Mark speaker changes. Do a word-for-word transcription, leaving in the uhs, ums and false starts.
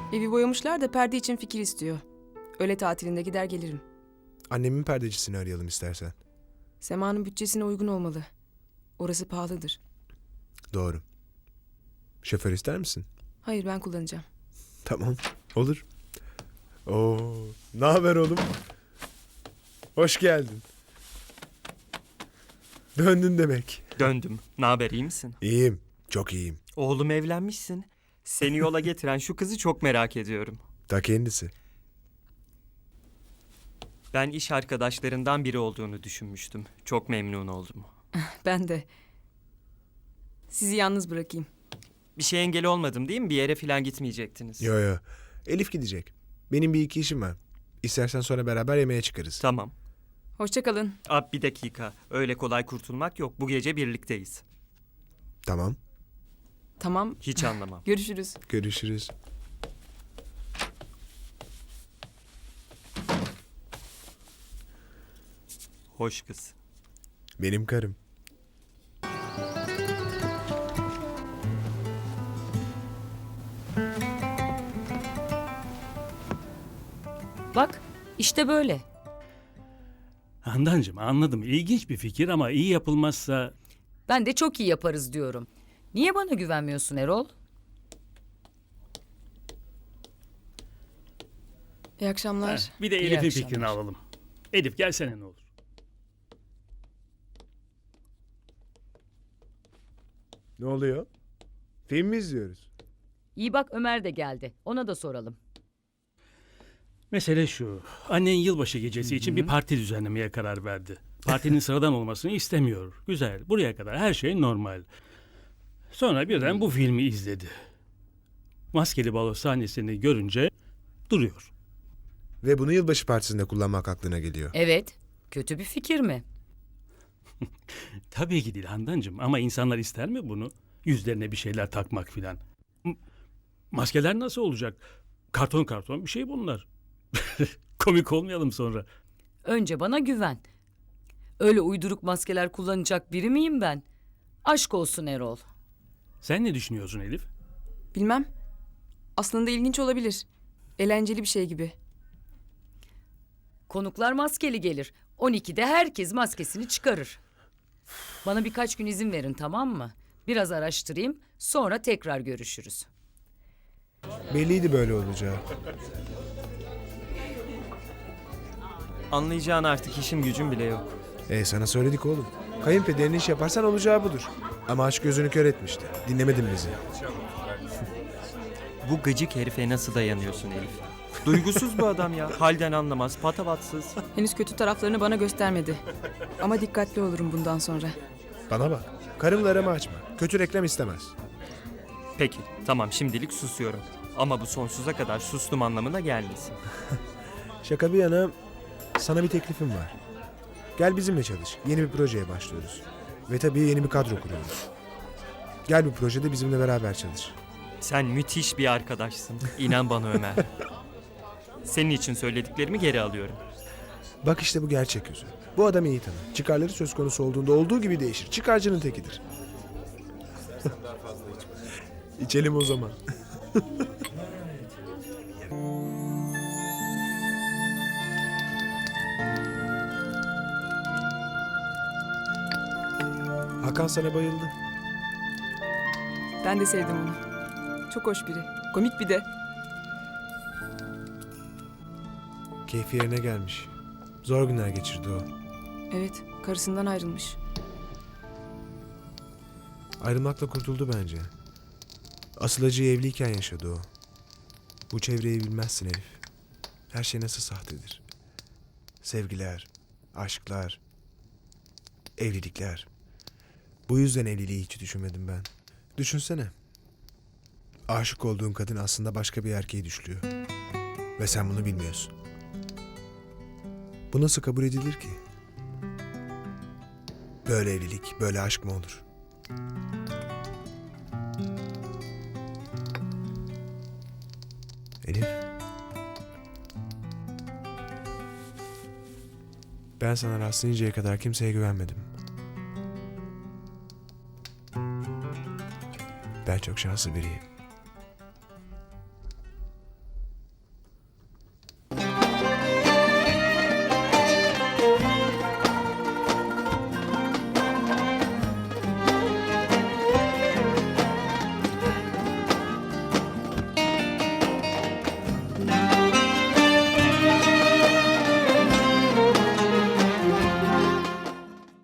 Speaker 1: Evi boyamışlar da perde için fikir istiyor. Öğle tatilinde gider gelirim.
Speaker 2: Annemin perdecisini arayalım istersen.
Speaker 1: Sema'nın bütçesine uygun olmalı. Orası pahalıdır.
Speaker 2: Doğru. Şoför ister misin?
Speaker 1: Hayır, ben kullanacağım.
Speaker 2: Tamam. Olur. Oo, ne haber oğlum? Hoş geldin. Döndün demek.
Speaker 3: Döndüm. Ne haber, iyi misin?
Speaker 2: İyiyim. Çok iyiyim.
Speaker 3: Oğlum, evlenmişsin. Seni yola getiren şu kızı çok merak ediyorum.
Speaker 2: Ta kendisi.
Speaker 3: Ben iş arkadaşlarından biri olduğunu düşünmüştüm. Çok memnun oldum.
Speaker 1: Ben de. Sizi yalnız bırakayım.
Speaker 3: Bir şey engel olmadım değil mi? Bir yere falan gitmeyecektiniz.
Speaker 2: Yo yo. Elif gidecek. Benim bir iki işim var. İstersen sonra beraber yemeğe çıkarız.
Speaker 3: Tamam.
Speaker 1: Hoşça kalın.
Speaker 3: Abi bir dakika. Öyle kolay kurtulmak yok. Bu gece birlikteyiz.
Speaker 2: Tamam.
Speaker 1: Tamam.
Speaker 3: Hiç anlamam.
Speaker 1: Görüşürüz.
Speaker 2: Görüşürüz.
Speaker 3: Hoş kız.
Speaker 2: Benim karım.
Speaker 4: Bak, işte böyle.
Speaker 5: Handancığım anladım. İlginç bir fikir ama iyi yapılmazsa...
Speaker 4: Ben de çok iyi yaparız diyorum. Niye bana güvenmiyorsun Erol?
Speaker 1: İyi akşamlar.
Speaker 5: Heh, bir de
Speaker 4: İyi
Speaker 5: Elif'in
Speaker 4: akşamlar.
Speaker 5: fikrini alalım. Elif gelsene ne olur.
Speaker 2: Ne oluyor? Film mi izliyoruz?
Speaker 4: İyi bak, Ömer de geldi. Ona da soralım.
Speaker 5: Mesele şu. Annen yılbaşı gecesi için bir parti düzenlemeye karar verdi. Partinin sıradan olmasını istemiyor. Güzel. Buraya kadar her şey normal. Sonra birden bu filmi izledi. Maskeli balo sahnesini görünce duruyor.
Speaker 2: Ve bunu yılbaşı partisinde kullanmak aklına geliyor.
Speaker 4: Evet, kötü bir fikir mi?
Speaker 5: Tabii ki değil Handancığım ama insanlar ister mi bunu? Yüzlerine bir şeyler takmak filan. M- Maskeler nasıl olacak? Karton karton bir şey bunlar. Komik olmayalım sonra.
Speaker 4: Önce bana güven. Öyle uyduruk maskeler kullanacak biri miyim ben? Aşk olsun Erol.
Speaker 5: Sen ne düşünüyorsun Elif?
Speaker 1: Bilmem. Aslında ilginç olabilir. Eğlenceli bir şey gibi.
Speaker 4: Konuklar maskeli gelir. on ikide herkes maskesini çıkarır. Bana birkaç gün izin verin, tamam mı? Biraz araştırayım, sonra tekrar görüşürüz.
Speaker 2: Belliydi böyle olacağı.
Speaker 3: Anlayacağın artık işim gücüm bile yok.
Speaker 2: E sana söyledik oğlum. Kayınpederin iş yaparsan olacağı budur. Ama aşk gözünü kör etmişti. Dinlemedin bizi.
Speaker 3: Bu gıcık herife nasıl dayanıyorsun Elif? Duygusuz bu adam ya. Halden anlamaz, patavatsız.
Speaker 1: Henüz kötü taraflarını bana göstermedi. Ama dikkatli olurum bundan sonra.
Speaker 2: Bana bak. Karımla aramı açma. Kötü reklam istemez.
Speaker 3: Peki, tamam şimdilik susuyorum. Ama bu sonsuza kadar sustum anlamına gelmesin.
Speaker 2: Şaka bir yana sana bir teklifim var. Gel bizimle çalış. Yeni bir projeye başlıyoruz. Ve tabii yeni bir kadro kuruyoruz. Gel bu projede bizimle beraber çalış.
Speaker 3: Sen müthiş bir arkadaşsın. İnan bana Ömer. Senin için söylediklerimi geri alıyorum.
Speaker 2: Bak işte bu gerçek yüzü. Bu adam iyi tanır. Çıkarları söz konusu olduğunda olduğu gibi değişir. Çıkarcının tekidir. İçelim o zaman. Hakan sana bayıldı.
Speaker 1: Ben de sevdim onu. Çok hoş biri. Komik bir de.
Speaker 2: Keyfi yerine gelmiş. Zor günler geçirdi o.
Speaker 1: Evet, karısından ayrılmış.
Speaker 2: Ayrılmakla kurtuldu bence. Asıl acıyı evliyken yaşadı o. Bu çevreyi bilmezsin Elif. Her şey nasıl sahtedir. Sevgiler, aşklar, evlilikler. Bu yüzden evliliği hiç düşünmedim ben. Düşünsene. Aşık olduğun kadın aslında başka bir erkeği düşlüyor. Ve sen bunu bilmiyorsun. Bu nasıl kabul edilir ki? Böyle evlilik, böyle aşk mı olur? Elif. Ben sana rastlayıncaya kadar kimseye güvenmedim. Ben çok şanslı biriyim.